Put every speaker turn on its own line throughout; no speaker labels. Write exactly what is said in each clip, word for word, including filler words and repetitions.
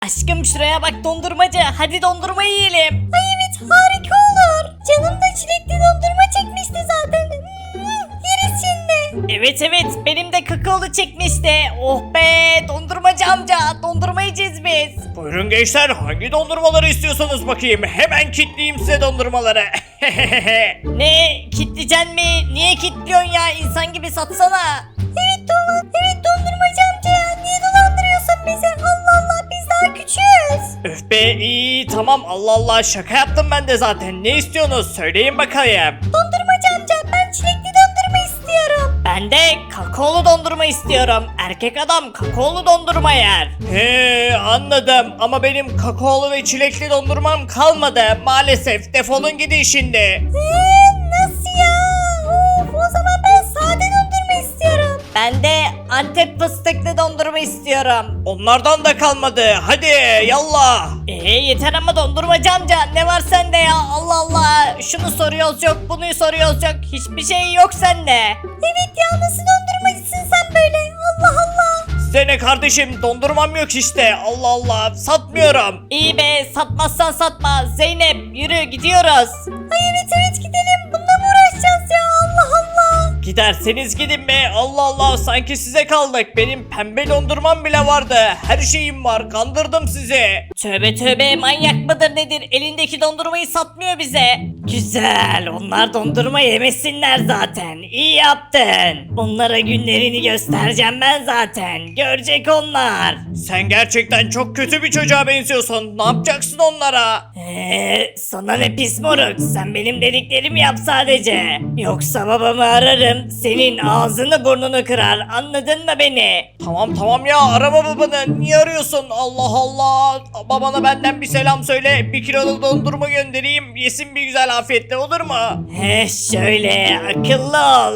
Aşkım şuraya bak dondurmacı. Hadi dondurma yiyelim. Ay evet harika olur. Canım da çilekli dondurma çekmişti zaten. Hmm, yeriz şimdi. Evet evet benim de kakaolu çekmişti. Oh be dondurmacı amca. Dondurma yiyeceğiz biz.
Buyurun gençler, hangi dondurmaları istiyorsanız bakayım. Hemen kitleyeyim size dondurmaları.
Ne kitleyeceksin mi? Niye kitliyorsun ya? İnsan gibi satsana. Evet dolan. Evet dondurmacı amca ya. Niye dolandırıyorsun bizi? Allah Allah biz daha küçüğüz.
Öf be, iyi tamam, Allah Allah, şaka yaptım ben de zaten. Ne istiyorsunuz söyleyin bakayım.
Dondurmacı amca ben çilekli dondurma istiyorum. Ben de kakaolu dondurma istiyorum. Erkek adam kakaolu dondurma yer.
He anladım, ama benim kakaolu ve çilekli dondurmam kalmadı. Maalesef, defolun gidin şimdi.
Eee nasıl ya? Of, o zaman ben sade dondurma istiyorum. Ben de Antep fıstıklı dondurma istiyorum.
Onlardan da kalmadı, hadi yallah.
Eee yeter ama dondurmacı amca ne var sende ya? Allah Allah şunu soruyoruz yok bunu soruyoruz yok. Hiçbir şey yok sende. Evet ya nasıl dondurmacısın sen böyle? Allah Allah.
Size ne kardeşim, dondurmam yok işte, Allah Allah, satmıyorum.
İyi be satmazsan satma. Zeynep yürü gidiyoruz. Ay evet evet gidelim. Bununla mı uğraşacağız ya? Allah Allah.
Giderseniz gidin be, Allah Allah, sanki size kaldık. Benim pembe dondurmam bile vardı, her şeyim var, kandırdım sizi.
Tövbe tövbe manyak mıdır nedir? Elindeki dondurmayı satmıyor bize. Güzel onlar dondurma yemesinler zaten. İyi yaptın. Onlara günlerini göstereceğim ben zaten. Görecek onlar.
Sen gerçekten çok kötü bir çocuğa benziyorsun, ne yapacaksın onlara?
Eee sana ne pis moruk. Sen benim dediklerimi yap sadece. Yoksa babamı ararım. Senin ağzını burnunu kırar. Anladın mı beni?
Tamam tamam ya, arama babanı, niye arıyorsun, Allah Allah. Babana benden bir selam söyle, bir kiloluk dondurma göndereyim, yesin bir güzel afiyetle, olur mu?
He şöyle akıllı ol.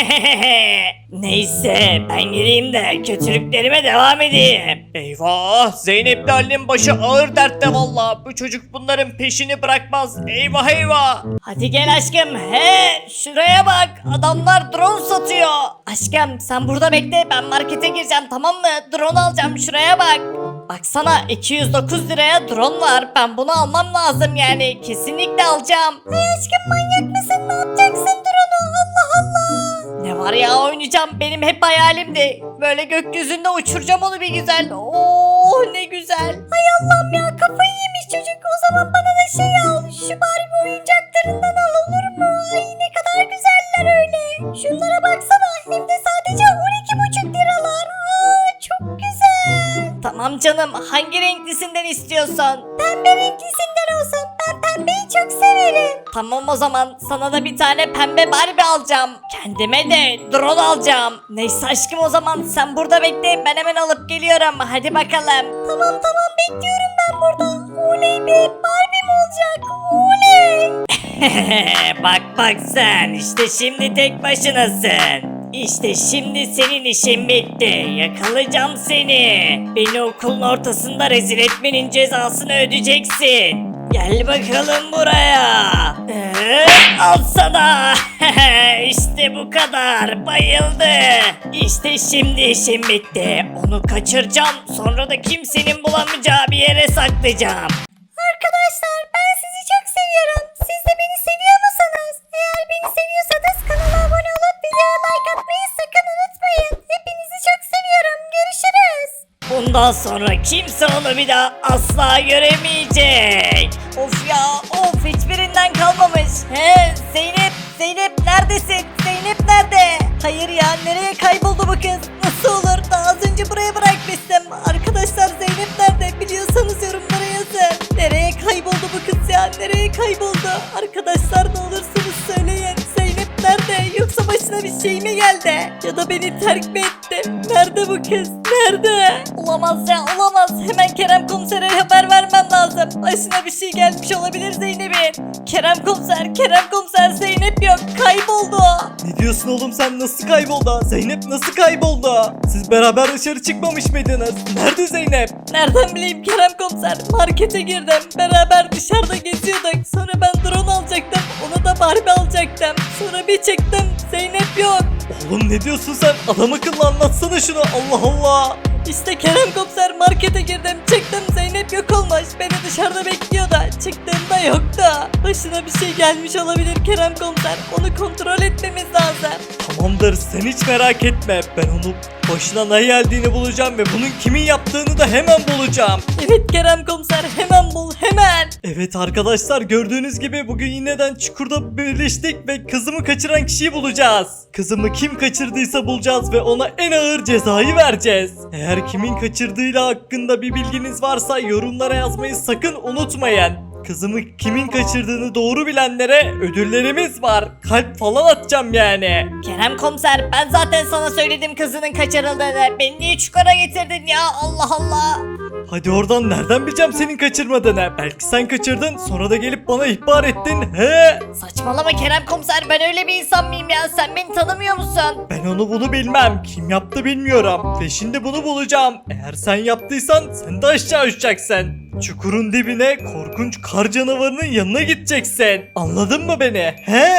Neyse ben gireyim de kötülüklerime devam edeyim.
Eyvah, Zeynep'le Ali'nin başı ağır dertte valla. Bu çocuk bunların peşini bırakmaz, eyvah eyvah.
Hadi gel aşkım. He şuraya bak. Adamlar drone satıyor. Aşkım sen burada bekle. Ben markete gireceğim tamam mı? Drone alacağım şuraya bak. Baksana iki yüz dokuz liraya drone var. Ben bunu almam lazım yani. Kesinlikle alacağım. Ay aşkım manyak mısın? Ne yapacaksın drone'u? Allah Allah. Ne var ya oynayacağım. Benim hep hayalimdi. Böyle gökyüzünde uçuracağım onu bir güzel. Oo ne güzel. Ay Allah'ım ya kafayı yemiş çocuk. O zaman bana da şey al. Şu Barbie oyuncaklarından al olur mu? Ay ne kadar güzeller öyle. Şunlara baksana. Hem de sadece on iki buçuk liralar. Aa çok güzel. Tamam canım. Hangi renklisinden istiyorsun? Pembe renklisinden olsun. Ben pembeyi çok severim. Tamam o zaman sana da bir tane pembe Barbie alacağım. Kendime de drone alacağım. Neyse aşkım o zaman sen burada bekle. Ben hemen alıp geliyorum. Hadi bakalım. Tamam tamam bekliyorum ben burada. Oley be Barbie mi olacak? Oley. bak bak sen işte şimdi tek başınasın. İşte şimdi senin işin bitti. Yakalayacağım seni. Beni okulun ortasında rezil etmenin cezasını ödeyeceksin. Gel bakalım buraya. Ee, al sana. İşte bu kadar. Bayıldı. İşte şimdi işim bitti. Onu kaçıracağım. Sonra da kimsenin bulamayacağı bir yere saklayacağım. Arkadaşlar ben sizi çok seviyorum. Siz de beni seviyor musunuz? Eğer beni seviyorsanız kanala abone olup videoya like atmayı sakın unutmayın. Hepinizi çok seviyorum. Görüşürüz. Bundan sonra kimse onu bir daha asla göremeyecek. Of ya of hiçbirinden kalmamış. He Zeynep Zeynep neredesin? Zeynep nerede? Hayır ya nereye kayboldu bu kız? Nasıl olur? Daha az önce buraya bırakmıştım. Arkadaşlar Zeynep nerede? Biliyorsanız yorumlara yazın. Nereye kayboldu bu kız ya? Nereye kayboldu? Arkadaşlar ne olursunuz söyleyin. Zeynep nerede? Yoksa başına bir şey mi geldi? Ya da beni terk mi etti? Nerede bu kız? Nerede? Olamaz ya olamaz. Hemen Kerem komisere haber vermem lazım. Başına bir şey gelmiş olabilir Zeynep'in. Kerem komiser, Kerem komiser Zeynep yok. Kayboldu.
Ne diyorsun oğlum sen, nasıl kayboldu? Zeynep nasıl kayboldu? Siz beraber dışarı çıkmamış mıydınız? Nerede Zeynep?
Nereden bileyim Kerem komiser? Markete girdim. Beraber dışarıda geziyorduk. Sonra ben drone alacaktım. Ona da Barbie alacaktım. Sonra bir çıktım. Zeynep yok.
Oğlum ne diyorsun sen? Adam akıllı anlatsana şunu, Allah Allah.
İşte Kerem komiser markete girdim çıktım Zeynep yok olmuş beni dışarıda bekliyordu çıktığımda yoktu. Başına bir şey gelmiş olabilir Kerem komiser onu kontrol etmemiz lazım.
Tamamdır sen hiç merak etme. Ben onu başına ne geldiğini bulacağım ve bunun kimin yaptığını da hemen bulacağım.
Evet Kerem komiser hemen bul hemen.
Evet arkadaşlar gördüğünüz gibi bugün yineden çukurda birleştik ve kızımı kaçıran kişiyi bulacağız. Kızımı kim kaçırdıysa bulacağız ve ona en ağır cezayı vereceğiz. Eğer kimin kaçırdığıyla hakkında bir bilginiz varsa yorumlara yazmayı sakın unutmayın. Kızımı kimin kaçırdığını doğru bilenlere ödüllerimiz var. Kalp falan atacağım yani.
Kerem komiser ben zaten sana söyledim kızının kaçırıldığını. Beni niye çukura getirdin ya Allah Allah.
Hadi oradan nereden bileceğim senin kaçırmadığını? Belki sen kaçırdın sonra da gelip bana ihbar ettin. He?
Saçmalama Kerem komiser ben öyle bir insan mıyım ya sen beni tanımıyor musun?
Ben onu bunu bilmem. Kim yaptı bilmiyorum. Ve şimdi bunu bulacağım. Eğer sen yaptıysan sen de aşağı uçacaksın. Çukurun dibine korkunç kar canavarının yanına gideceksin. Anladın mı beni? He?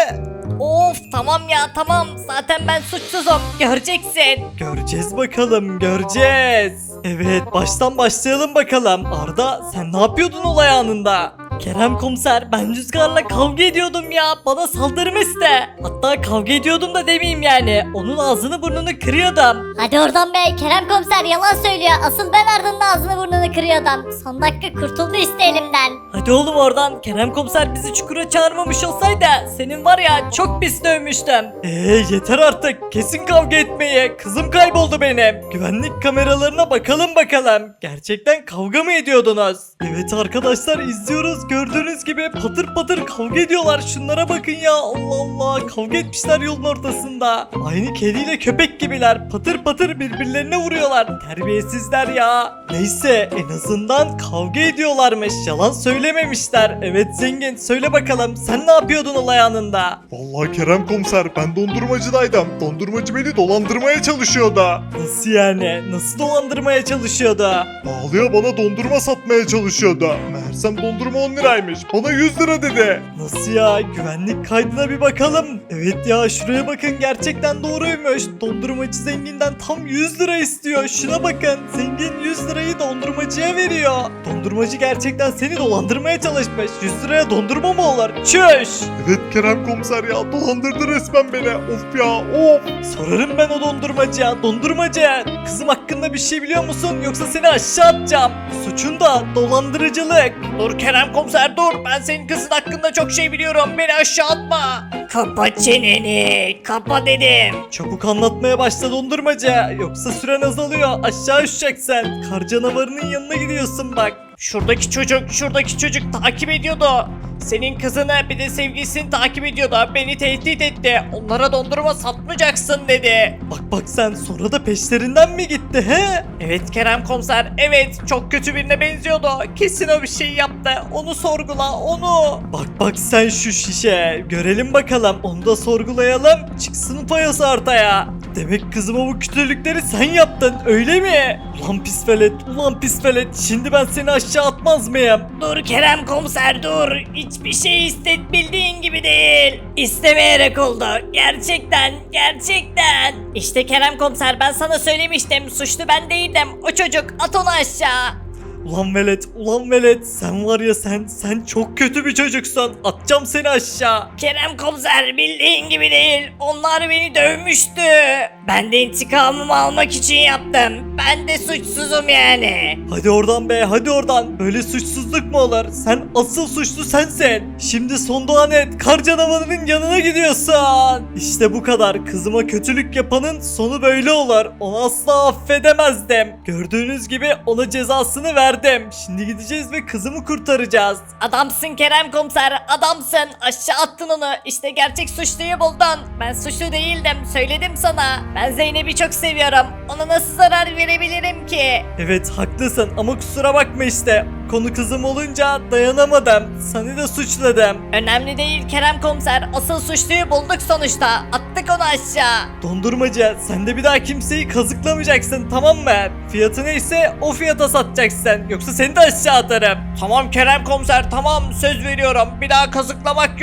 Of tamam ya tamam zaten ben suçsuzum göreceksin.
Göreceğiz bakalım göreceğiz. Evet baştan başlayalım bakalım. Arda sen ne yapıyordun olay anında?
Kerem komiser ben Rüzgar'la kavga ediyordum ya bana saldırmıştı. Hatta kavga ediyordum da demeyeyim yani onun ağzını burnunu kırıyordum.
Hadi oradan be Kerem komiser yalan söylüyor. Asıl ben Arda'nın ağzını burnunu kırıyordum. Son dakika kurtuldu işte elimden.
Hadi oğlum oradan Kerem komiser bizi çukura çağırmamış olsaydı senin var ya çok pis dövmüştüm.
Eee yeter artık. Kesin kavga etmeyi. Kızım kayboldu benim. Güvenlik kameralarına bakalım bakalım. Gerçekten kavga mı ediyordunuz? Evet arkadaşlar izliyoruz. Gördüğünüz gibi patır patır kavga ediyorlar. Şunlara bakın ya. Allah Allah. Kavga etmişler yolun ortasında. Aynı kediyle köpek gibiler. Patır patır birbirlerine vuruyorlar. Terbiyesizler ya. Neyse en azından kavga ediyorlarmış. Yalan söylememişler. Evet zengin söyle bakalım. Sen ne yapıyordun olay anında?
Vallahi Kerem komiser ben dondurmacıdaydım. Dondurmacı beni dolandırmaya çalışıyordu.
Nasıl yani? Nasıl dolandırmaya çalışıyordu?
Pahalıya bana dondurma satmaya çalışıyordu. Meğersem dondurma on liraymış. Bana yüz lira dedi.
Nasıl ya? Güvenlik kaydına bir bakalım. Evet ya şuraya bakın gerçekten doğruymuş. Dondurmacı zenginden tam yüz lira istiyor. Şuna bakın. Zengin yüz lirayı dondurmacıya veriyor. Dondurmacı gerçekten seni dolandırmaya çalışmış. yüz liraya dondurma mı olur? Çüş!
Evet Kerem komiser ya dolandırdı resmen beni. Of ya of.
Sorarım ben o dondurmacıya. Dondurmacı! Kızım hakkında bir şey biliyor musun? Yoksa seni aşağı atacağım. Suçun da dolandırıcılık.
Dur Kerem komiser dur. Ben senin kızın hakkında çok şey biliyorum. Beni aşağı atma.
Kapa çeneni kapa dedim.
Çabuk anlatmaya başla dondurmacı. Yoksa süren azalıyor. Aşağı uçacaksın. Kar canavarının yanına gidiyorsun bak.
Şuradaki çocuk, şuradaki çocuk takip ediyordu. Senin kızını bir de sevgilisini takip ediyordu. Beni tehdit etti. Onlara dondurma satmayacaksın dedi.
Bak bak sen sonra da peşlerinden mi gitti he?
Evet Kerem komiser, evet çok kötü birine benziyordu. Kesin o bir şey yaptı. Onu sorgula, onu.
Bak bak sen şu şişe. Görelim bakalım. Onu da sorgulayalım. Çıksın payası ortaya. Demek kızıma bu kötülükleri sen yaptın öyle mi? Ulan pis velet, ulan pis velet. Şimdi ben seni aşağı atmaz mıyım?
Dur Kerem komiser dur. Hiçbir şey istet bildiğin gibi değil. İstemeyerek oldu. Gerçekten, gerçekten. İşte Kerem komiser ben sana söylemiştim. Suçlu ben değildim. O çocuk at onu aşağı.
Ulan velet, ulan velet. Sen var ya sen, sen çok kötü bir çocuksun. Atacağım seni aşağı.
Kerem komiser bildiğin gibi değil. Onlar beni dövmüştü. Ben de intikamımı almak için yaptım. Ben de suçsuzum yani.
Hadi oradan be, hadi oradan. Böyle suçsuzluk mu olur? Sen asıl suçlu sensin. Şimdi son doğan et. Kar canavarının yanına gidiyorsun. İşte bu kadar. Kızıma kötülük yapanın sonu böyle olur. Onu asla affedemezdim. Gördüğünüz gibi ona cezasını verdim. Şimdi gideceğiz ve kızımı kurtaracağız.
Adamsın Kerem komiser adamsın. Aşağı attın onu. İşte gerçek suçluyu buldun. Ben suçlu değildim. Söyledim sana. Ben Zeynep'i çok seviyorum. Ona nasıl zarar verebilirim ki?
Evet haklısın ama kusura bakma işte. Konu kızım olunca dayanamadım. Seni de suçladım.
Önemli değil Kerem komiser. Asıl suçluyu bulduk sonuçta. Attık onu aşağı.
Dondurmacı sen de bir daha kimseyi kazıklamayacaksın tamam mı? Fiyatı neyse o fiyata satacaksın. Yoksa seni de aşağı atarım.
Tamam Kerem komiser, tamam söz veriyorum. Bir daha kazıklamak yok.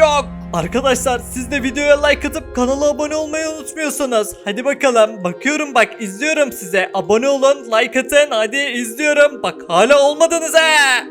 Arkadaşlar siz de videoya like atıp kanala abone olmayı unutmuyorsunuz. Hadi bakalım. Bakıyorum bak, izliyorum size. Abone olun, like atın. Hadi izliyorum. Bak hala olmadınız he.